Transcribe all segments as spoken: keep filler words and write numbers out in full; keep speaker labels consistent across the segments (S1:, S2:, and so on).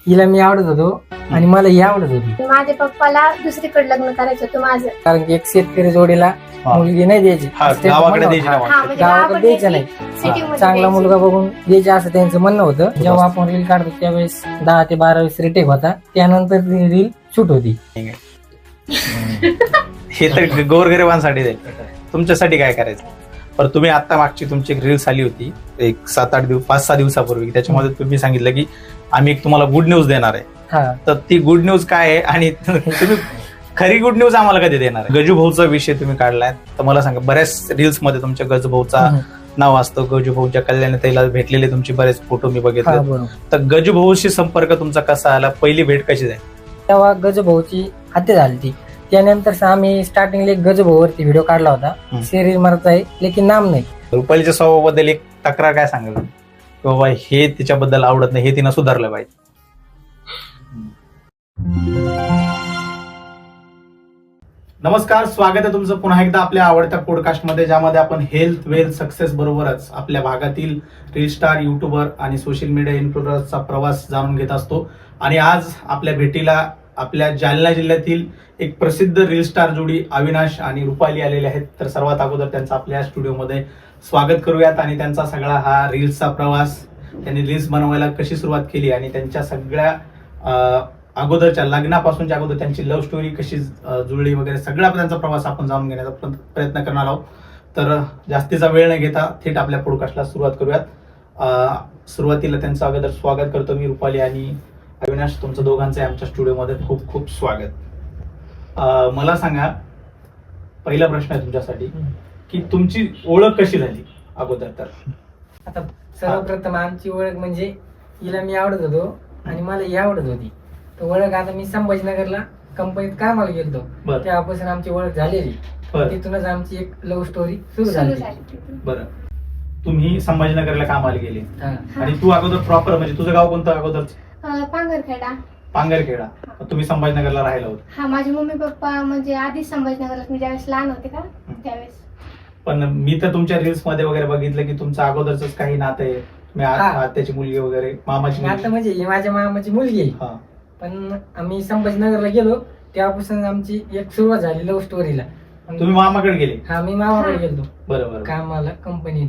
S1: हिला मी आवडत होतो आणि मला ही आवडत होती.
S2: माझ्या पप्पाला दुसरीकडे लग्न करायचं होतं माझं.
S1: कारण की एक शेतकरी जोडीला मुलगी नाही द्यायची,
S3: हा,
S1: त्यांचं
S3: गावाकडे
S1: म्हणणं
S3: द्यायची
S1: होतं.
S3: ना
S2: हा,
S3: वाटतं.
S2: म्हणजे
S1: गावाकडे
S2: गावाकडे
S1: द्यायचं
S2: द्यायची,
S1: नाही.
S2: सिटीमध्ये
S1: चांगला
S2: द्यायची.
S1: मुलगा बघून द्यायचं असं त्यांचं म्हणणं होतं. जेव्हा आपण रील काढतो त्यावेळेस दहा ते बारा वीस रिटेक होता, त्यानंतर रील शूट होती.
S3: हे तर गोरगरिबांसाठी जाईल, तुमच्यासाठी काय करायचं. पण तुम्ही आता मागची तुमची एक रील्स आली होती एक सात आठ दिवस पाच सहा दिवसापूर्वी, त्याच्यामध्ये तुम्ही सांगितलं की आम्ही एक तुम्हाला गुड न्यूज देणार आहे.
S1: हा,
S3: तर ती गुड न्यूज काय आहे आणि तुम्ही खरी गुड न्यूज आम्हाला कधी देणार आहे. गजूभाऊचा विषय तुम्ही काढलाय, तर मला सांगा बऱ्याच रील्स मध्ये तुमच्या गजूभाऊचा नाव असतं. गजूभाऊच्या कल्याण ताईला भेटलेले तुमचे बरेच फोटो मी
S1: हा,
S3: बघितले.
S1: बरोबर.
S3: तर गजूभाऊशी संपर्क तुमचा कसा आला, पहिली भेट कशी झाली?
S1: तेव्हा गजभाऊची हत्या झाली ती. त्यानंतर आम्ही स्टार्टिंगला एक गजभाऊवरती व्हिडिओ काढला होता,
S3: हम्म.
S1: शरीर मरत आहे लेकिन नाम नाही.
S3: रुपालीच्या स्वभावाबद्दल एक तक्रार काय सांगाल की बाबा हे तिच्याबद्दल आवडत नाही, हे तिनं सुधारलं पाहिजे. नमस्कार, स्वागत आहे तुमचं पुन्हा एकदा आपल्या आवडत्या पॉडकास्टमध्ये, ज्यामध्ये आपण हेल्थ वेल्थ सक्सेस बरोबरच आपल्या भागातील रील स्टार, युट्यूबर आणि सोशल मीडिया इन्फ्लुएन्सरचा प्रवास जाणून घेत असतो. आणि आज आपल्या भेटीला आपल्या जालना जिल्ह्यातील एक प्रसिद्ध रील स्टार जोडी अविनाश आणि रुपाली आलेले आहेत. तर सर्वात अगोदर त्यांचं आपल्या स्टुडिओमध्ये स्वागत करूयात आणि त्यांचा सगळा हा रील्सचा प्रवास, त्यांनी रील्स बनवायला कशी सुरुवात केली आणि त्यांच्या सगळ्या अं, अगोदरच्या लग्नापासूनच्या अगोदर त्यांची लव्ह स्टोरी कशी अं, जुळली वगैरे सगळा त्यांचा प्रवास आपण जाणून घेण्याचा प्र- प्रयत्न करणार आहोत. तर अं, जास्तीचा वेळ न घेता थेट आपल्या पॉडकास्टला सुरुवात करूयात. अं, सुरुवातीला त्यांचं अगोदर स्वागत करतो मी, रुपाली आणि अविनाश. तुमचं दोघांचं आमच्या स्टुडिओमध्ये खूप खूप स्वागत. अं, मला सांगा, पहिला प्रश्न आहे तुमच्यासाठी की तुमची ओळख कशी झाली अगोदर. तर
S1: आता सर्वप्रथम आमची ओळख म्हणजे हिला मी आवडत होतो आणि मला ही आवडत होती. तर ओळख आता मी संभाजीनगरला कंपनीत कामाला गेलो,
S3: बरं
S1: तेव्हापासून आमची ओळख झालेली.
S3: बरं
S1: तिथूनच आमची एक लव्ह स्टोरी सुरू
S2: सुरू
S1: झाली.
S2: झाली तिथून.
S3: बरं तुम्ही संभाजीनगरला कामाला गेले
S1: हा.
S3: आणि तू अगोदर प्रॉपर म्हणजे तुझं गाव कोणतं अगोदर?
S2: अं, पांघरखेडा.
S3: पांगरखेडा. तुम्ही संभाजीनगरला राहायला होत.
S2: हा, माझे मम्मी पप्पा म्हणजे आधीच संभाजीनगरला, मी ज्यावेळेस लहान होते का त्यावेळेस.
S3: पण मी तर तुमच्या रील्स मध्ये वगैरे बघितलं की तुमचं अगोदरच काही नातं आहे. तुम्ही आ-
S1: हा.
S3: आत्याची मुलगी वगैरे, मामाची
S1: आता
S3: मुलगी.
S1: म्हणजे ही माझ्या मामाची मुलगी आहे.
S3: हा.
S1: पण आम्ही संभाजीनगरला गेलो तेव्हापासून आमची एक सुरुवात झाली लव्ह स्टोरीला.
S3: तुम्ही मामाकडे गेले?
S1: हा, मी मामाकडे
S2: हा.
S1: गेलो
S3: बरं बरं.
S1: कामाला कंपनीत.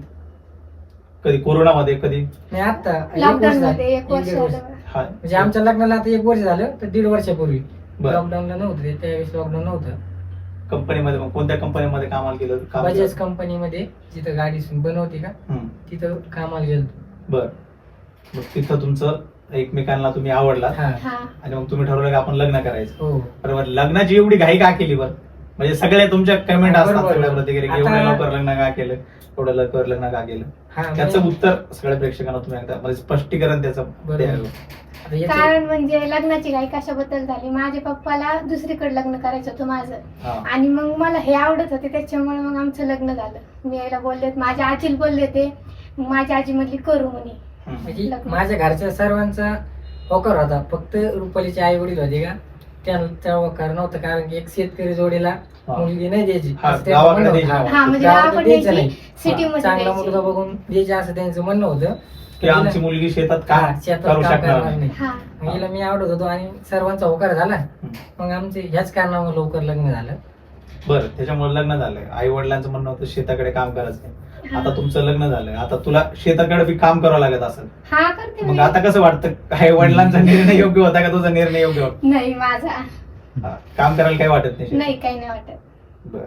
S3: कधी कोरोनामध्ये कधी?
S1: नाही, आता एक वर्ष
S2: लॉकडाऊन
S1: झालं.
S2: मध्ये एक वर्ष
S1: दीड वर्ष.
S2: झालं.
S3: हा.
S1: म्हणजे आमच्या लग्नाला आता एक वर्ष झालं, तर दीड वर्षापूर्वी.
S3: बरं.
S1: लॉकडाऊनला नव्हतं ते, त्यावेळेस लॉकडाऊन नव्हतं.
S3: कंपनीमध्ये मग कोणत्या कंपनीमध्ये कामाला गेलं? काम केलं?
S1: बजाज कंपनीमध्ये जिथं गाडी बनवते का
S3: हम्म.
S1: तिथं कामाला गेलो.
S3: बरं. मग तिथं तुमचं एकमेकांना तुम्ही आवडला
S1: हा,
S2: हा,
S3: आणि मग तुम्ही ठरवलं की आपण लग्न करायचं.
S1: हो.
S3: बरोबर. लग्नाची एवढी घाई का केली बरं? म्हणजे सगळे तुमच्या कमेंट
S1: हा,
S3: असतात,
S1: बरोबर.
S3: सगळ्या प्रतिक्रिया,
S1: आता-
S3: एवढ्या लवकर लग्न का केलं, एवढं लवकर लग्न का केलं?
S1: हा,
S3: त्याचं
S1: म्हणजे-
S3: उत्तर सगळ्या प्रेक्षकांना तुम्ही एकदा म्हणजे स्पष्टीकरण त्याचं
S1: बरोबर.
S3: द्यावं.
S1: आता याचं-
S2: कारण म्हणजे लग्नाची घाई कशाबद्दल झाली, माझ्या पप्पाला दुसरीकडे लग्न करायचं होतं माझं.
S3: हा.
S2: आणि मग मला हे आवडत होते, त्याच्यामुळे मग आमचं लग्न झालं. मी यायला बोलले, माझ्या आजीला बोलले ते, मग माझी आजी म्हणली करू म्हणे.
S3: हम्म.
S1: म्हणजे
S2: लग्न.
S1: माझ्या घरच्या सर्वांचा होकार होता, फक्त रुपालीचे आई वडील होते का त्या होकार नव्हतं. कारण की एक शेतकरी जोडीला
S3: हा.
S1: मुलगी नाही द्यायची
S3: हा,
S1: असं त्यांचं
S3: गावाकडे
S1: म्हणणं
S3: द्यायची.
S1: होतं.
S2: हा, म्हणजे
S1: गावाकडे
S2: गावाकडे
S1: द्यायचं
S2: द्यायची,
S1: नाही.
S2: सिटीमध्ये
S1: चांगला
S2: द्यायची.
S1: मुलगा बघून द्यायचे असं त्यांचं म्हणणं होतं.
S3: की आमची मुलगी शेतात
S1: हा,
S3: काम
S1: शेतात
S3: करू
S1: काम
S3: शकणार
S1: करणार
S3: नाही.
S1: नाही.
S2: हा,
S1: मग हिला मी आवडत होतो आणि सर्वांचा होकार झाला. मग आमचे ह्याच कारणामुळे लवकर लग्न झालं.
S3: बरं, त्याच्यामुळे लग्न झालंय. आई वडिलांचं म्हणणं होतं शेताकडे काम करायचं नाही.
S2: हा.
S3: आता तुमचं लग्न झालंय, आता तुला शेताकडे बी काम करावं लागत असेल.
S2: हा, करते
S3: मग
S2: मी.
S3: आता कसं वाटतं, आई वडिलांचा निर्णय योग्य होता का तुझा निर्णय योग्य होता?
S2: नाही, माझा
S3: हा, काम करायला काही वाटत नाही शेतात?
S2: नाही, काही नाही वाटत.
S3: बर.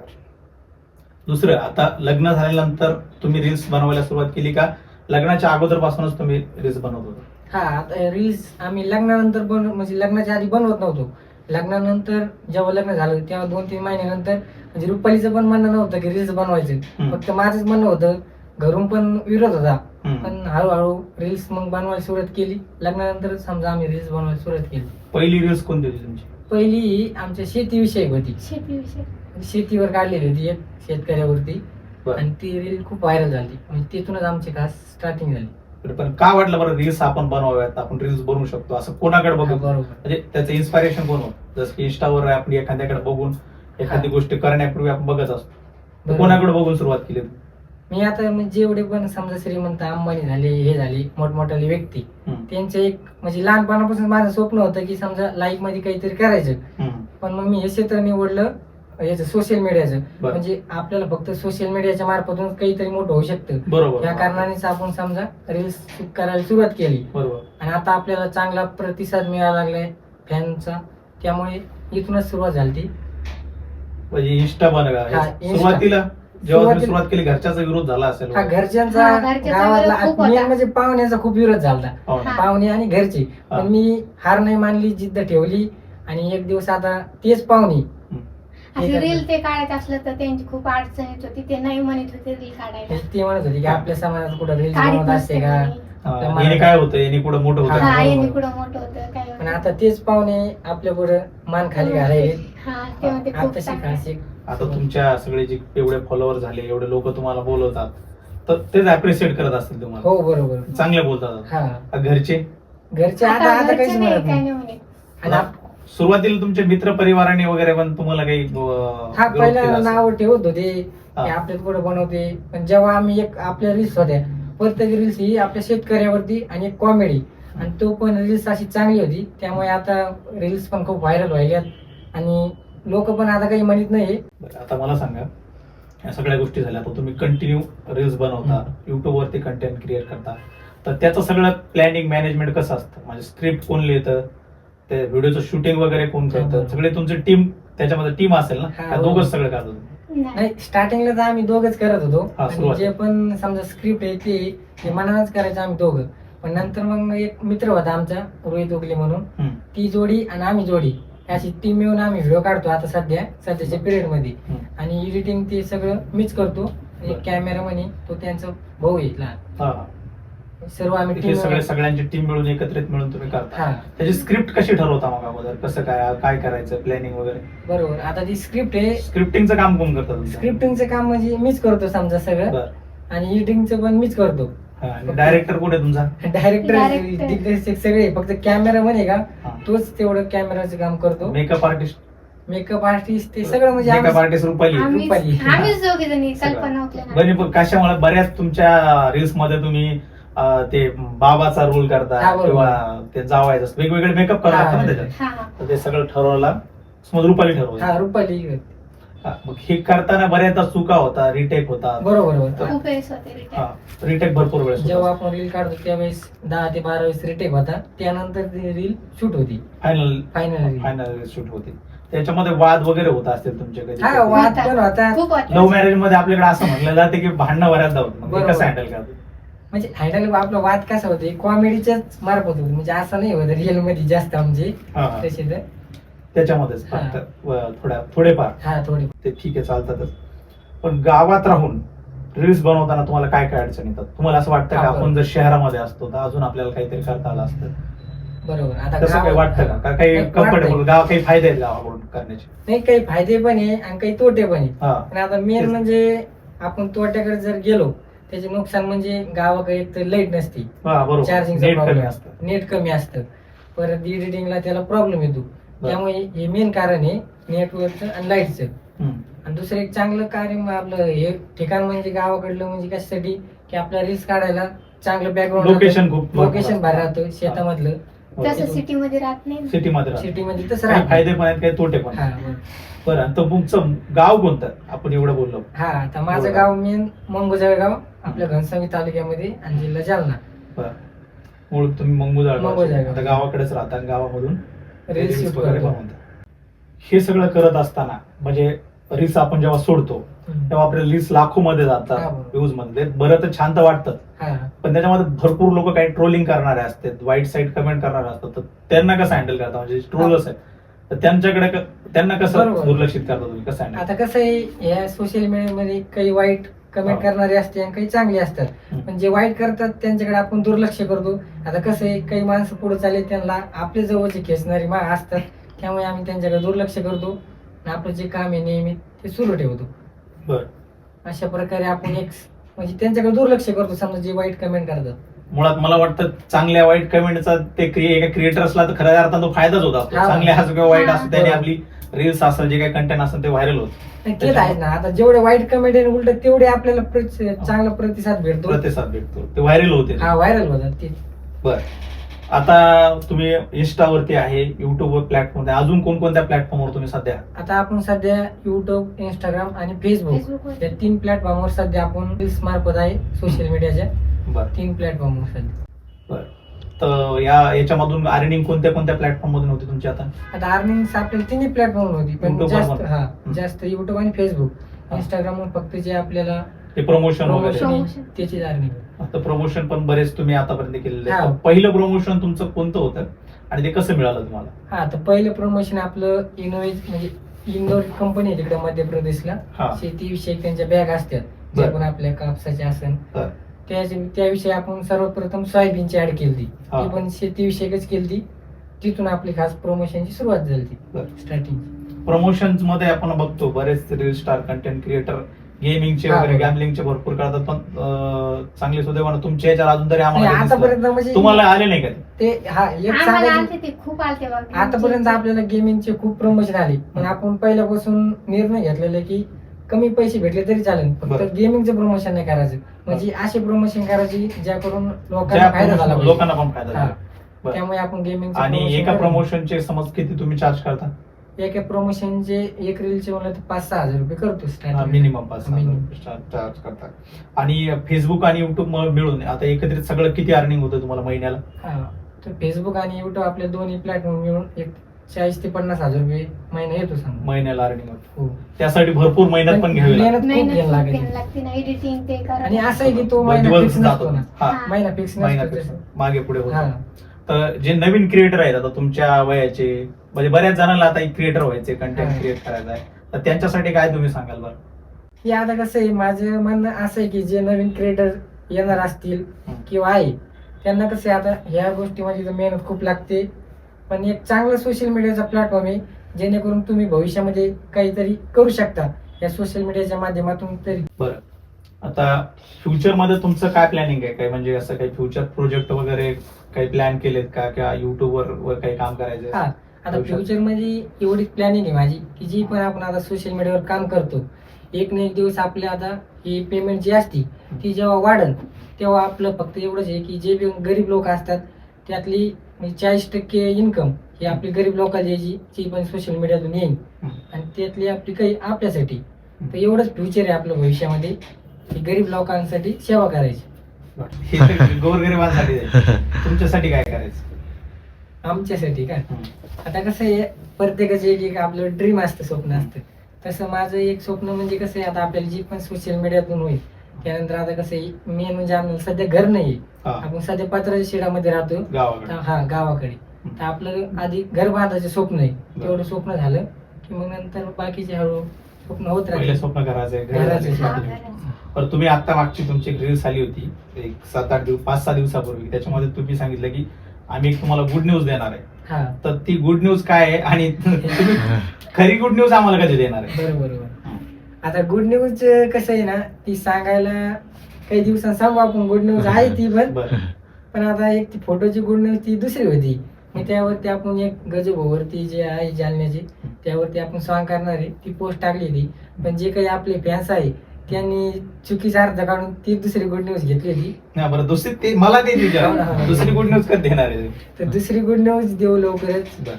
S3: दुसरं, आता लग्न झाल्यानंतर तुम्ही रील्स बनवायला सुरुवात केली का लग्नाच्या अगोदरपासूनच तुम्ही रील्स बनवत होता?
S1: हा, आता रील्स आम्ही लग्नानंतर बन म्हणजे लग्नाच्या आधी बनवत नव्हतो. लग्नानंतर जेव्हा लग्न झालं तेव्हा दोन तीन महिन्यानंतर म्हणजे रुपालीचं पण म्हणणं नव्हतं की रील्स बनवायचं,
S3: हम्म.
S1: फक्त माझंच म्हणणं होतं. घरून पण विरोध होता,
S3: हम्म.
S1: पण हळूहळू रील्स मग बनवायला सुरुवात केली. लग्नानंतर समजा आम्ही रील्स बनवायला सुरुवात केली.
S3: पहिली रील्स कोणती होती तुमची?
S1: पहिली ही आमच्या शेतीविषयी होती.
S2: शेतीविषयी.
S1: शेतीवर काढलेली होती एक शेतकऱ्यावरती,
S3: बरं.
S1: आणि ती रील खूप व्हायरल झाली. म्हणजे तिथूनच आमची खास स्टार्टिंग झाली.
S3: पण का वाटलं बरं रील्स आपण बनवाव्यात, आपण रील्स बनवू शकतो असं कोणाकडे
S1: हा,
S3: बघू?
S1: बरोबर.
S3: म्हणजे त्याचं इन्स्पायरेशन कोण होतं? जसं की इंस्टावर आपण एखाद्याकडे बघून एखादी
S1: हा.
S3: गोष्ट करण्यापूर्वी आपण बघत असतो, तर
S1: बरोबर.
S3: कोणाकडे बघून सुरुवात केली?
S1: मी आता म्हणजे जेवढे पण समजा श्रीमंत अंबानी झाले हे झाले मोठमोठाले व्यक्ती
S3: हम्म.
S1: त्यांचे एक म्हणजे लहानपणापासून माझं स्वप्न होतं की समजा लाईफ मध्ये काहीतरी करायचं.
S3: हम्म.
S1: पण मग मी हे क्षेत्र निवडलं याचं सोशल मीडियाचं.
S3: बरं.
S1: म्हणजे आपल्याला फक्त सोशल मीडियाच्या मार्फतून काहीतरी मोठं होऊ शकतं.
S3: बरोबर
S1: या कारणानेच आपण समजा रील्स करायला सुरुवात केली
S3: बरोबर.
S1: आणि आता आपल्याला चांगला प्रतिसाद मिळायला लागलाय फॅनचा. त्यामुळे इथूनच सुरुवात झाली ती.
S3: म्हणजे इंस्टा बनवा
S1: हा, Insta.
S3: सुरुवातीला जेव्हा तुम्ही
S1: सुरुवातीला-
S3: सुरुवात केली घरच्याचा विरोध झाला असेल
S1: हा घरच्यांचा
S2: हा, घरच्याचा
S1: गावातला
S2: विरोध खूप
S1: मेन
S2: होता.
S1: म्हणजे पाहुण्यांचा खूप विरोध झाला.
S3: हो ना.
S2: हा.
S1: पाहुणे आणि घरचे.
S3: हा.
S1: पण मी हार नाही मानली, जिद्द ठेवली आणि एक दिवस आता तेच पाहुणे
S2: अशी
S1: हे
S2: रील ते काढायचं असलं तर त्यांची खूप अडचण येत होती. ते नाही म्हणत होते रील काढायला.
S1: ते म्हणत होते की आपल्या समाजात कुठं रील्स
S2: काढीत
S1: बनवत असते
S2: नसते
S1: का.
S2: कोणी.
S3: हा, याने काय होतं याने पुढे मोठं
S1: हा,
S3: होतं
S2: हा
S1: बरोबर.
S2: यांनी कुठं मोठं होतं काय
S1: पण
S2: होतं.
S1: आता तेच पाहुणे आपल्या पुढे मान खाली घालायले.
S2: हा ते म्हणते खूप
S1: आता शिका
S2: चांगलं.
S1: शिक.
S3: आता तुमच्या सगळे जे एवढे फॉलोअर झाले एवढे लोक तुम्हाला बोलवतात तर तेच अप्रिशिएट करत असतील तुम्हाला.
S1: हो बरोबर.
S3: चांगले बोलतात.
S1: हा
S3: आ, घरचे
S1: घरचे आता आता
S2: घरचे
S1: काहीच
S2: नाही,
S1: म्हणत
S2: काय
S1: नाही.
S2: नाही म्हणे.
S1: आणि आप-
S3: सुरुवातीला तुमचे मित्र परिवाराने वगैरे पण तुम्हाला काही अं,
S1: हा
S3: विरोध
S1: पहिला
S3: केला असेल.
S1: नाव ठेवत होते
S3: हा.
S1: की आपल्यात पुढे बनवते. पण जेव्हा आम्ही एक आपल्या रील्स होत्या प्रत्येक रील्स ही आपल्या शेतकऱ्यावरती आणि एक कॉमेडी आणि तो पण रील्स अशी चांगली होती. त्यामुळे आता रील्स पण खूप व्हायरल व्हायल्यात आणि लोक पण आता काही म्हणत नाही.
S3: बरं, आता मला सांगा या सगळ्या गोष्टी झाल्या तर तुम्ही कंटिन्यू रील्स बनवता युट्यूब वरती कंटेंट क्रिएट करता तर त्याचं सगळं प्लॅनिंग मॅनेजमेंट कसं असतं म्हणजे स्क्रिप्ट कोण लिहितं ते व्हिडिओचं शूटिंग वगैरे कोण करतं
S1: बरोबर.
S3: सगळे तुमची टीम त्याच्यामध्ये टीम असेल ना
S1: हा,
S3: का
S1: बरोबर.
S3: दोघंच सगळं करतात तुम्ही?
S2: नाही.
S1: नाही स्टार्टिंगला तर आम्ही दोघच करत होतो.
S3: हा,
S1: आणि
S3: सुरुवातीला.
S1: जे पण समजा स्क्रिप्ट आहे ते ते मनानच करायचं आम्ही दोघं. पण नंतर मग एक मित्र होता आमचा रोहित उगले म्हणून
S3: हम्म,
S1: ती जोडी आणि आम्ही जोडी अशी टीम मिळून आम्ही व्हिडिओ काढतो आता सध्या सध्याच्या पिरियड मध्ये.
S3: हम्म.
S1: आणि एडिटिंग ते सगळं मीच करतो.
S3: बरं.
S1: कॅमेरा म्हणे तो त्यांचा भाऊ आहे लहान.
S3: हा, हा.
S1: सर्व आम्ही
S3: हे
S1: टीम
S3: सगळे सगळ्यांची टीम मिळून एकत्रित मिळून तुम्ही करता
S1: हा
S3: त्याची स्क्रिप्ट कशी ठरवता मग अगोदर कसं काय काय करायचं प्लॅनिंग वगैरे
S1: बरोबर. आता ती स्क्रिप्ट आहे.
S3: स्क्रिप्टिंगचं काम कोण करतं तुमचं
S1: स्क्रिप्टिंगचं काम म्हणजे मीच करतो समजा सगळं
S3: बरं
S1: आणि एडिटिंगचं पण मीच करतो.
S3: डायरेक्टर कुठे तुमचा
S1: डायरेक्टर
S2: Director.
S1: दिग्दर्शक सगळे फक्त कॅमेरा म्हणे का
S3: हा.
S1: तोच तेवढं कॅमेराचं काम करतो.
S3: मेकअप आर्टिस्ट
S1: मेकअप आर्टिस्ट ते सगळं म्हणजे
S3: मेकअप
S1: आम्ही-
S3: आर्टिस्ट रुपाली
S2: आम्हीच
S1: रुपाली.
S2: आम्हीच दोघे जणी
S3: सगळं.
S2: कल्पना उकल्या
S3: बरे पण कशामुळे बऱ्याच तुमच्या रील्स मध्ये तुम्ही अं, ते बाबाचा रोल करता
S1: हा, बरोबर.
S3: किंवा ते जावायचं वेगवेगळे मेकअप करावं
S1: हा,
S3: लागतं ना
S1: हा.
S3: त्याच्यात
S2: हा हा
S3: तर ते सगळं ठरवला समज रुपाली ठरवलं
S1: हा रुपाली
S3: हा, मग हे करताना बऱ्याचदा चुका होता रिटेक होता
S1: बरोबर बरोबर.
S2: खूप वेळेस होते रिटर्न.
S3: हा रिटेक भरपूर वेळेस
S1: जेव्हा आपण रील काढतो त्यावेळेस दहा ते बारा वेळेस रिटेक होता. त्यानंतर ती रील शूट होती
S3: final
S1: final reel.
S3: Final shoot होते त्याच्यामध्ये वाद वगैरे होत असतील तुमचे कधी
S1: हा वाद पण होता.
S2: खूप
S3: लव्ह
S2: होते.
S3: मॅरेज मध्ये आपल्याकडे असं म्हटलं जाते की भांडणं बऱ्याचदा होत मग हे
S1: बरोबर.
S3: कसं हँडल करतो
S1: म्हणजे हँडल आपला वाद कसा होते कॉमेडीच्याच मार्फत होतो. म्हणजे असं नाही होत रिअल मध्ये जास्त आमचे
S3: हा, हा.
S1: तसे तर
S3: त्याच्यामध्येच
S1: हा.
S3: फक्त व- थोड्या थोडेफार
S1: हा थोडे
S3: ते ठीक आहे चालतातच पण गावात राहून रील्स बनवताना तुम्हाला काय काय अडचण येतात तुम्हाला असं वाटतं
S1: हा,
S3: का
S1: बरोबर.
S3: आपण जर शहरामध्ये असतो तर अजून आपल्याला काहीतरी करता आलं असतं
S1: बरोबर. आता
S3: तसं काही
S1: गावात-
S3: वाटतं का? का काही
S1: नाही,
S3: कम्फर्टेबल
S1: वाटतंय.
S3: गाव काही फायदे आहेत गावाकडून करण्याचे
S1: नाही काही फायदे पण आहे आणि काही तोटे पण आहे.
S3: हा
S1: पण आता मेन
S3: तेच.
S1: म्हणजे आपण तोट्याकडे जर गेलो त्याचे नुकसान म्हणजे गावाकडे एक तर लाईट नसते.
S3: हा बरोबर
S1: चार्जिंगचा
S3: नेट कमी
S1: प्रॉब्लेम
S3: असतं
S1: नेट कमी असतं. परत एडिटिंगला त्याला प्रॉब्लेम येतो.
S3: बरं.
S1: त्यामुळे हे मेन कारण आहे नेटवर्कचं आणि लाईटचं.
S3: हम्म.
S1: आणि दुसरं एक चांगलं कार्य मग आपलं हे ठिकाण म्हणजे गावाकडलं म्हणजे कशासाठी की आपल्या रील्स काढायला चांगलं बॅकग्राऊंड
S3: लोकेशन खूप
S1: लोकेशन भारी राहतं शेतामधलं.
S2: तसं सिटी मध्ये राहत नाही.
S3: सिटी मध्ये राहतं.
S1: सिटीमध्ये तसं
S3: काही
S1: राहतं.
S3: फायदे पण आहेत काही तोटे पण
S1: हा
S3: आहेत.
S1: बरं.
S3: बरं आणि तर तुमचं गाव कोणतं आपण एवढं बोललो
S1: हा आता माझं
S3: बरोबर.
S1: गाव मेन मंगोजळगाव आपल्या घनसावंगी तालुक्यामध्ये आणि जिल्हा जालना.
S3: बरं मूळ तुम्ही मंगुजाळ
S1: मंगुजाळ.
S3: आता गावाकडेच राहता आणि गावामधून
S1: रील्स
S3: रील्स
S1: शूट
S3: वगैरे
S1: करतो.
S3: बनवता. हे सगळं करत असताना म्हणजे रील्स आपण जेव्हा सोडतो
S1: हम्म.
S3: तेव्हा आपले रील्स लाखो मध्ये
S1: हा,
S3: जातात
S1: बरोबर.
S3: व्ह्यूज मध्ये बरं तर छान तर वाटतं
S1: हा
S3: पण त्याच्यामध्ये भरपूर लोक काही ट्रोलिंग करणारे असतात वाईट साईड कमेंट करणारे असतात तर त्यांना कसं हँडल करता म्हणजे ट्रोलर्स आहेत तर त्यांच्याकडे क- त्यांना कसं
S1: बरोबर.
S3: दुर्लक्षित करता तुम्ही कसं हँडल
S1: आता कसं आहे या सोशल मीडियामध्ये काही वाईट कमेंट
S3: हा.
S1: करणारे असते आणि काही चांगले असतात.
S3: हम्म.
S1: पण जे वाईट करतात त्यांच्याकडे आपण दुर्लक्ष करतो. आता कसं आहे काही माणसं पुढे चालले त्यांना आपल्या जवळचे खेचणारी मा असतात त्यामुळे आम्ही त्यांच्याकडे दुर्लक्ष करतो आणि आपलं जे काम आहे नियमित ते सुरू ठेवतो.
S3: बरं
S1: अशा प्रकारे आपण एक म्हणजे त्यांच्याकडे दुर्लक्ष करतो समजा जे वाईट कमेंट करतात.
S3: मुळात मला वाटतं चांगल्या वाईट कमेंटचा ते क्रिए एका क्रिएटर्सला तर खऱ्या अर्थानं तो फायदाच होत असतो
S1: हा.
S3: चांगले असो किंवा वाईट
S2: हा.
S3: असो त्याने
S1: बरोबर.
S3: आपली रील्स असेल जे काही कंटेंट असेल ते व्हायरल होत
S1: नाही, तेच आहे ना. आता जेवढे वाईट कमेंट उलट तेवढे आपल्याला प्रति- चांगला प्रतिसाद भेटतो.
S3: प्रतिसाद भेटतो, ते व्हायरल होते.
S1: हा व्हायरल होतात ते.
S3: बर, आता तुम्ही इंस्टावरती आहे, युट्यूब प्लॅटफॉर्म आहे, अजून कोणकोणत्या प्लॅटफॉर्मवर तुम्ही सध्या?
S1: आता आपण सध्या युट्यूब, इंस्टाग्राम आणि फेसबुक
S2: फेसबुकवर
S1: या तीन प्लॅटफॉर्मवर सध्या आपण रील्स मार्फत आहे, सोशल मीडियाच्या
S3: बर
S1: तीन प्लॅटफॉर्मवर सध्या.
S3: बर, तर या याच्यामधून अर्निंग कोणत्या कोणत्या प्लॅटफॉर्म मधून होती तुमची आता?
S1: आता अर्निंग आपल्याला तिन्ही प्लॅटफॉर्म होती, पण
S3: YouTube
S1: जास्त
S3: वर.
S1: हा
S3: हम्म.
S1: जास्त युट्यूब आणि फेसबुक.
S3: हा.
S1: इंस्टाग्रामवर फक्त जे आपल्याला
S3: ते प्रमोशन वगैरे,
S1: प्रमोशन
S2: Promotion.
S1: त्याची अर्निंग.
S3: आता प्रमोशन पण बरेच तुम्ही आतापर्यंत केलेले
S1: हा.
S3: आहे. तर पहिलं प्रमोशन तुमचं कोणतं होतं आणि ते कसं मिळालं तुम्हाला?
S1: हा, तर पहिलं प्रमोशन आपलं इनोवेज म्हणजे इंदोर कंपनी आहे तिकडे मध्य प्रदेशला.
S3: हा.
S1: शेतीविषयी त्यांच्या बॅग असतात, जे
S3: बरं.
S1: पण आपल्या कापसाच्या असन
S3: तर
S1: त्याच्या त्याविषयी आपण सर्वप्रथम सोयाबीनची ऍड केली ती
S3: हा.
S1: ती पण शेतीविषयकच केली. तिथून आपली खास प्रमोशनची सुरुवात झाली ती
S3: बरं.
S1: स्टार्टिंग.
S3: प्रमोशन मध्ये आपण बघतो बरेच रील स्टार, कंटेंट क्रिएटर गेमिंगचे
S1: हा,
S3: वगैरे
S1: बरोबर.
S3: गॅमलिंगचे भरपूर करतात, पण अं, चांगले सुदैवानं तुमच्या याच्यावर अजून तरी आम्हाला काही दिसलं.
S1: आतापर्यंत म्हणजे
S3: तुम्हाला आले नाही का ते?
S1: ते हा एक
S2: आम्हाला
S1: सांगायचं
S2: आलते ते खूप आलते बघा.
S1: आतापर्यंत आपल्याला गेमिंगचे खूप प्रमोशन आले, पण आपण पहिल्यापासून निर्णय घेतलेला की कमी पैसे भेटले तरी चालेल, फक्त
S3: बरं.
S1: गेमिंगचं प्रमोशन नाही करायचं. म्हणजे असे प्रमोशन करायची ज्या करून लोकांना
S3: ज्या
S1: फायदा झाला
S3: promotion-
S1: पाहिजे.
S3: लोकांना पण फायदा
S1: हा.
S3: झाला. बरं.
S1: त्यामुळे आपण गेमिंग
S3: आणि एका प्रमोशनचे समज किती तुम्ही चार्ज करता?
S1: एका प्रमोशनचे एक रीलचे म्हणलं तर पाच सहा हजार रुपये करतो स्टार्टिंग.
S3: मिनिमम पाच
S1: Minimum.
S3: चार्ज करता. आणि फेसबुक आणि युट्यूब मिळून आता एकत्रित सगळं किती अर्निंग होतं तुम्हाला महिन्याला?
S1: हा, तर फेसबुक आणि युट्यूब आपले दोन्ही प्लॅटफॉर्म मिळून एक चाळीस ते पन्नास हजार रुपये महिना येतो सांग.
S3: महिन्याला अर्निंग होतं.
S1: हो.
S3: त्यासाठी भरपूर मेहनत पण घ्यावी लागते.
S1: मेहनत खूप
S2: मेहनत
S1: घ्यायला
S2: खूप
S1: लागेल.
S2: घ्यायला लागते ना, एडिटिंग ते करा.
S1: आणि असं आहे की तो
S3: दोन
S1: महिना
S3: दिवस
S1: फिक्स
S3: जातो
S1: नसतो ना.
S3: हा,
S2: हा.
S1: महिना फिक्स
S3: महिना
S1: नसतो
S3: fix.
S1: तसं.
S3: मागे पुढे होत.
S1: हा.
S3: तर जे नवीन क्रिएटर आहेत आता तुमच्या वयाचे, म्हणजे बऱ्याच जणांना आता क्रिएटर व्हायचे, कंटेंट
S1: हा.
S3: क्रिएट करायचं आहे, तर त्यांच्यासाठी काय तुम्ही सांगाल बरं?
S1: की आता कसं आहे, माझं म्हणणं असं आहे की जे नवीन क्रिएटर येणार असतील
S3: हम्म.
S1: किंवा आहे त्यांना कसं आहे, आता ह्या गोष्टीमध्ये तर मेहनत खूप लागते, पण एक चांगला सोशल मीडियाचा प्लॅटफॉर्म आहे जेणेकरून तुम्ही भविष्यामध्ये काहीतरी करू शकता या सोशल मीडियाच्या माध्यमातून तरी.
S3: बरं, आता फ्युचर मध्ये तुमचं काय प्लॅनिंग आहे? काय म्हणजे असं काही फ्युचर प्रोजेक्ट वगैरे काही प्लॅन केलेत का, किंवा युट्यूबवर वर काही काम करायचं?
S1: हा, आता फ्युचर मध्ये एवढी प्लॅनिंग आहे माझी की जी पण आपण आता सोशल मीडियावर काम करतो, एक ना एक दिवस आपल्या आता ही पेमेंट जी असती ती जेव्हा वाढल तेव्हा आपलं फक्त एवढंच आहे की जे गरीब लोक असतात त्यातली चाळीस टक्के इन्कम ही आपली गरीब लोकांची यायची जी पण सोशल मीडियातून येईल, आणि त्यातली आपली काही आपल्यासाठी. तर एवढंच फ्युचर आहे आपलं भविष्यामध्ये की गरीब लोकांसाठी सेवा करायची.
S3: हे तर गोरगरिबांसाठी आहे. तुमच्यासाठी काय करायचं?
S1: आमच्यासाठी का, आता कसं आहे प्रत्येकाचं एक एक आपलं ड्रीम असतं, स्वप्न असतं. तसं माझं एक स्वप्न म्हणजे कसं आहे, आता आपल्याला जी पण सोशल मीडियातून होईल त्यानंतर आता कसं आहे मेन म्हणजे आम्हाला सध्या घर नाही,
S3: हा,
S1: आपण सध्या पत्राच्या शेडामध्ये राहतो.
S3: गावाकडे.
S1: तर हा, गावाकडे. तर आपलं आधी घर बांधायचं स्वप्न आहे, तेवढं स्वप्न झालं की मग नंतर बाकीचे हळू स्वप्न होत
S3: पहिले
S1: राहिले.
S3: स्वप्न करायचंय, घर
S1: घराचं
S3: बांधायचं.
S2: हा,
S1: स्वप्न.
S2: करायचं.
S3: पण तुम्ही आता मागची तुमची एक रील्स आली होती एक सात आठ दिवस पाच सहा दिवसापूर्वी, त्याच्यामध्ये तुम्ही सांगितलं की आम्ही एक तुम्हाला गुड न्यूज देणार आहे.
S1: हा,
S3: तर ती गुड न्यूज काय आहे आणि तुम्ही खरी गुड न्यूज आम्हाला कधी देणार आहे?
S1: बरोबर बरोबर. आता गुड न्यूज कसं आहे ना, ती सांगायला काही दिवसांनी सांगू आपण. गुड न्यूज आहे ती पण,
S3: बरं.
S1: पण आता एक ती फोटोची गुड न्यूज ती दुसरी होती. मग त्यावरती आपण एक गजभावरती जे आहे जालन्याची त्यावरती आपण सॉंग करणार आहे ती पोस्ट टाकली होती, पण जे काही आपले फॅन्स आहे त्यांनी चुकीचा अर्थ काढून ती दुसरी गुड न्यूज घेतली होती.
S3: नाही बरं, दुसरी ते मला ते विचारा, दुसरी गुड न्यूज कधी देणार आहे?
S1: तर दुसरी गुड न्यूज देऊ लवकरच.
S3: बरं.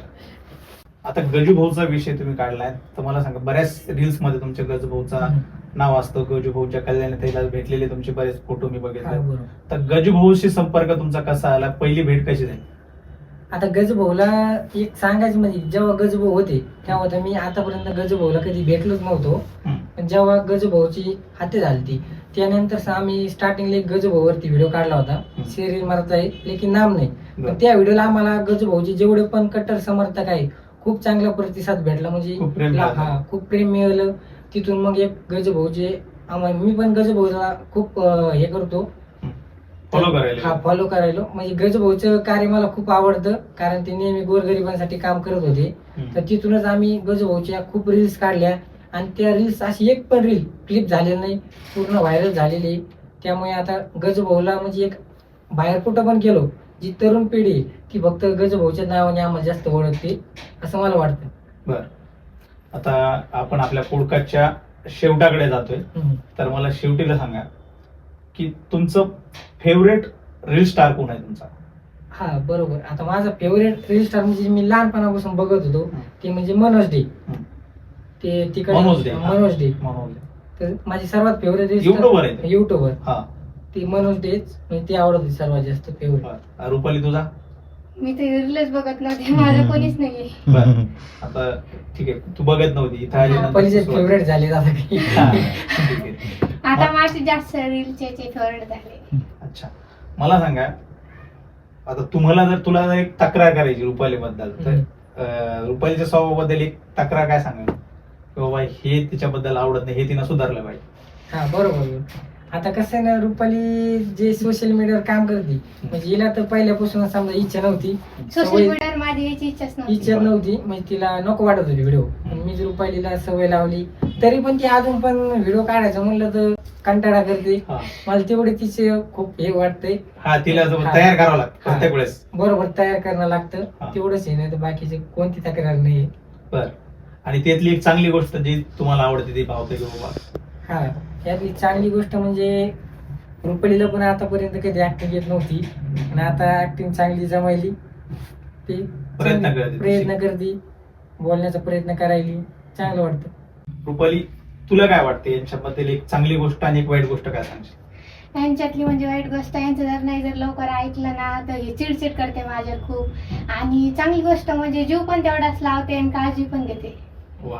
S3: आता गजूभाऊचा विषय तुम्ही काढलाय, तर मला सांगा, बऱ्याच रील्स मध्ये तुमच्या गजूभाऊचा नाव असतं, गजूभाऊच्या कल्याण ताईला भेटलेले तुमचे बरेच फोटो मी
S1: हा,
S3: बघितले.
S1: बरोबर.
S3: तर गजूभाऊशी संपर्क तुमचा कसा आला? पहिली भेट कशी झाली?
S1: आता गजभाऊला एक सांगायचं म्हणजे जेव्हा गजभाऊ होते तेव्हा तर मी आतापर्यंत गजभाऊला कधी भेटलोच नव्हतो,
S3: हम्म.
S1: पण जेव्हा गजभाऊची हत्या झाली ती त्यानंतर आम्ही स्टार्टिंगला एक गजभाऊवरती व्हिडिओ काढला होता,
S3: हम्म.
S1: सिरियल मारत आहे लेकिन नाम नाही.
S3: बरं.
S1: पण त्या व्हिडिओला आम्हाला गजभाऊचे जेवढे पण कट्टर समर्थक आहे खूप चांगला प्रतिसाद भेटला, म्हणजे
S3: खूप प्रेम
S1: ला-
S3: मिळालं.
S1: हा खूप प्रेम मिळालं. तिथून मग एक गजभाऊचे आम्हाला मी पण गजभाऊला खूप अं, हे करतो,
S3: फॉलो करायला.
S1: हा फॉलो करायलो. म्हणजे गजभाऊचं कार्य मला खूप आवडतं कारण ते नेहमी गोरगरिबांसाठी काम करत होते.
S3: हम्म.
S1: तर तिथूनच आम्ही गजभाऊच्या खूप रील्स काढल्या आणि त्या रील्स अशी एक पण रील क्लिप झालेली नाही, पूर्ण व्हायरल झालेली. त्यामुळे आता गजभाऊला म्हणजे एक बाहेर कुठं पण गेलो जी तरुण पिढी आहे, ती फक्त गजभाऊच्या नावाने आम्हाला जास्त ओळखते असं मला वाटतं.
S3: बरं. आता आपण आपल्या पॉडकास्टच्या शेवटाकडे जातोय,
S1: हम्म.
S3: तर मला शेवटीला सांगा की तुमचं फेवरेट रील स्टार कोण आहे तुमचा?
S1: हा बरोबर. आता माझा फेवरेट रील स्टार म्हणजे मी लहानपणापासून बघत होतो
S3: हम्म.
S1: ते म्हणजे मनोज डे.
S3: हम्म.
S1: ते तिकडे
S3: मनोज डे, हा.
S1: मनोज डे
S3: मनोज डे.
S1: तर माझी सर्वात फेवरेट रील
S3: YouTuber आहे ते?
S1: युट्यूबर
S3: हा.
S1: ती मनोज डेच म्हणजे ती आवडत होती सर्वात जास्त फेवरेट.
S3: बरं. रुपाली तुझा?
S2: मी ते रीलच बघत नव्हते, माझं कोणीच नाहीये.
S3: बरं. आता ठीक आहे, तू बघत नव्हती इथं आल्यानंतर
S1: पहिलीचे
S3: सुरुवात.
S1: फेवरेट झाले आता काही.
S3: हा, ठीक आहे.
S2: आता माझे जास्त रीलचे फेवरेट झाले.
S3: अच्छा, मला सांगा, आता तुम्हाला जर तुला जर एक तक्रार करायची रुपाली बद्दल तर
S1: हम्म.
S3: अं, रुपालीच्या स्वभावाबद्दल एक तक्रार काय सांगाल की बाबा हे तिच्याबद्दल आवडत नाही, हे तिनं सुधारलं पाहिजे?
S1: हा बरोबर. आता कसं आहे ना, रुपाली जे सोशल मीडियावर काम करते म्हणजे हिला तर पहिल्यापासून समजा इच्छा नव्हती,
S2: सोशल
S1: सवय-
S2: मीडियावर माझी यायची इच्छाच नव्हती.
S1: इच्छा नव्हती म्हणजे तिला नको वाटत होती व्हिडिओ. मी जर रुपालीला सवय लावली तरी पण ती अजून पण व्हिडिओ काढायचं म्हणलं तर कंटाळा करते.
S3: हा.
S1: मला तेवढे तिचे खूप हे वाटतंय.
S3: हा, तिला जर
S1: हा.
S3: तयार करावं लागतं
S1: हा.
S3: प्रत्येक वेळेस.
S1: बरोबर तयार करणं लागतं
S3: हा.
S1: तेवढंच आहे, नाही तर बाकीचे कोणती तक्रार नाही.
S3: बर. आणि त्यातली एक चांगली गोष्ट जी तुम्हाला आवडते ती पावते की बाबा?
S1: हा, यातली चांगली गोष्ट म्हणजे रुपालीला पण आतापर्यंत कधी ऍक्टिंग येत नव्हती आणि आता ऍक्टिंग चांगली जमायली. ती
S3: प्रयत्न
S1: चांगली-
S3: करते.
S1: प्रयत्न करते, बोलण्याचा प्रयत्न करायली, चांगलं वाटतं.
S3: रुपाली, तुला काय वाटते यांच्याबद्दल एक चांगली गोष्ट आणि एक वाईट गोष्ट काय सांगशील?
S2: यांच्यातली म्हणजे वाईट गोष्ट, यांचं जर नाही जर लवकर ऐकलं ना तर हे चिडचिड करते माझ्यावर खूप. आणि चांगली गोष्ट म्हणजे जीव पण तेवढाच लावते आणि काळजी पण घेते.
S3: वा.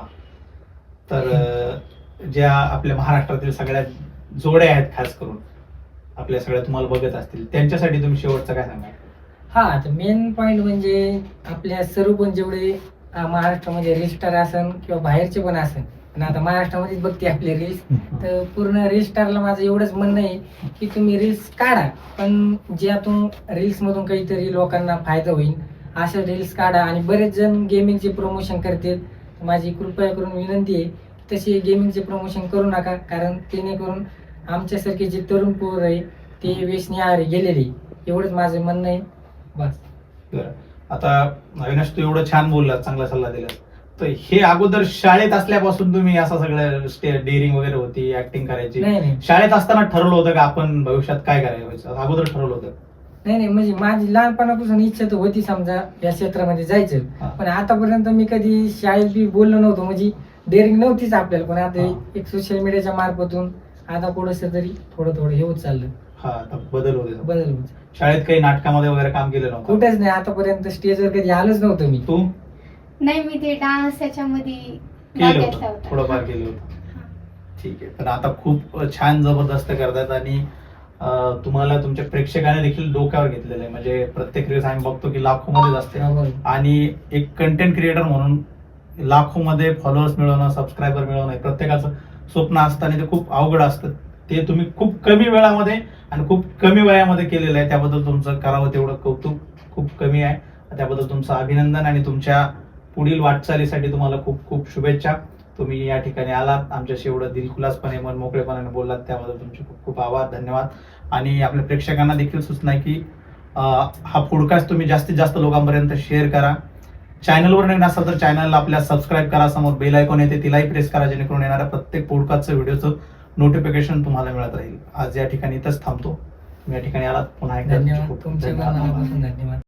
S3: तर अं, ज्या आपल्या महाराष्ट्रातील सगळ्या जोड्या आहेत, खास करून आपल्या सगळ्या तुम्हाला बघत असतील, त्यांच्यासाठी तुम्ही शेवटचं काय सांगाल?
S1: हा, तर मेन पॉइंट म्हणजे आपल्या सर्व पण जेवढे अं, महाराष्ट्रामध्ये रील स्टार असन किंवा बाहेरचे पण असन, आणि आता महाराष्ट्रामध्येच बघते आपले रील्स, तर पूर्ण रील स्टारला माझं एवढंच म्हणणं आहे की तुम्ही रील्स काढा, पण ज्यातून रील्स मधून काहीतरी लोकांना फायदा होईल अशा रील्स काढा. आणि बरेच जण गेमिंगचे प्रमोशन करतात, माझी कृपया करून विनंती आहे तसे गेमिंगचे प्रमोशन करू नका, कारण जेणेकरून आमच्यासारखे जे तरुण पोर आहे ते व्यसनी आहारी गेलेले. एवढंच माझं म्हणणं आहे, बस.
S3: बरं. आता अविनाश, तू एवढं छान बोलला, चांगला सल्ला दिला, तर हे अगोदर शाळेत असल्यापासून तुम्ही असं सगळं डेअरिंग वगैरे होती, ऍक्टिंग करायची,
S1: नाही नाही
S3: शाळेत असताना ठरवलं होतं का आपण भविष्यात काय करायचं? अगोदर ठरवलं होतं?
S1: नाही नाही म्हणजे माझी लहानपणापासून इच्छा तर होती समजा या क्षेत्रामध्ये जायचं,
S3: हा.
S1: पण आतापर्यंत मी कधी शाळेत बी बोललो नव्हतो, म्हणजे डेअरिंग नव्हतीच आपल्याला. पण आता
S3: हा.
S1: एक सोशल मीडियाच्या मार्फतून आता पुढंच तरी थोडं थोडं हे होत चाललं,
S3: हा, आता बदल होते.
S1: बदल होत.
S3: शाळेत काही नाटकामध्ये वगैरे काम केलं नव्हतं?
S1: कुठेच नाही, आतापर्यंत स्टेजवर कधी आलोच नव्हतं मी.
S3: तू
S2: नाही, मी ते डान्स त्याच्यामध्ये भाग
S3: केलं
S2: घेतला
S3: होतं,
S2: होता.
S3: थोडंफार केलं होतं. ठीक आहे. पण आता खूप छान जबरदस्त करतात आणि अं, तुम्हाला तुमच्या प्रेक्षकाने देखील डोक्यावर घेतलेलं आहे. म्हणजे प्रत्येक रील्स आम्ही बघतो की लाखो मध्येच असते,
S1: बरोबर.
S3: आणि एक कंटेंट क्रिएटर म्हणून लाखो मध्ये फॉलोअर्स मिळवणं, सबस्क्रायबर मिळवणं हे प्रत्येकाचं स्वप्न असतं आणि ते खूप अवघड असतं. ते तुम्ही खूप कमी वेळामध्ये आणि खूप कमी वयामध्ये केलेलं आहे, त्याबद्दल तुमचं करावं तेवढं कौतुक खूप कमी आहे. त्याबद्दल तुमचं अभिनंदन आणि तुमच्या पुढील वाटचालीसाठी तुम्हाला खूप खूप शुभेच्छा. तुम्ही या ठिकाणी आलात, आमच्याशी एवढं दिलखुलासपणे, मन मोकळेपणाने बोललात, त्याबद्दल तुमचे खूप खूप आभार, धन्यवाद. आणि आपल्या प्रेक्षकांना देखील सूचना आहे की अं, हा पॉडकास्ट तुम्ही जास्तीत जास्त लोकांपर्यंत शेअर करा. चॅनलवर नवीन असाल तर चॅनलला आपल्या सबस्क्राईब करा, समोर बेल आयकॉन येते तिलाही प्रेस करा, जेणेकरून येणाऱ्या प्रत्येक पॉडकास्टचं व्हिडिओचं नोटिफिकेशन तुम्हाला मिळत राहील. आज या ठिकाणी इथंच थांबतो. तुम्ही या ठिकाणी आलात, पुन्हा एकदा तुमचे
S1: धन्यवाद,
S3: खूप
S1: तुमचे
S3: धन्यवाद.
S1: मनापासून धन्यवाद.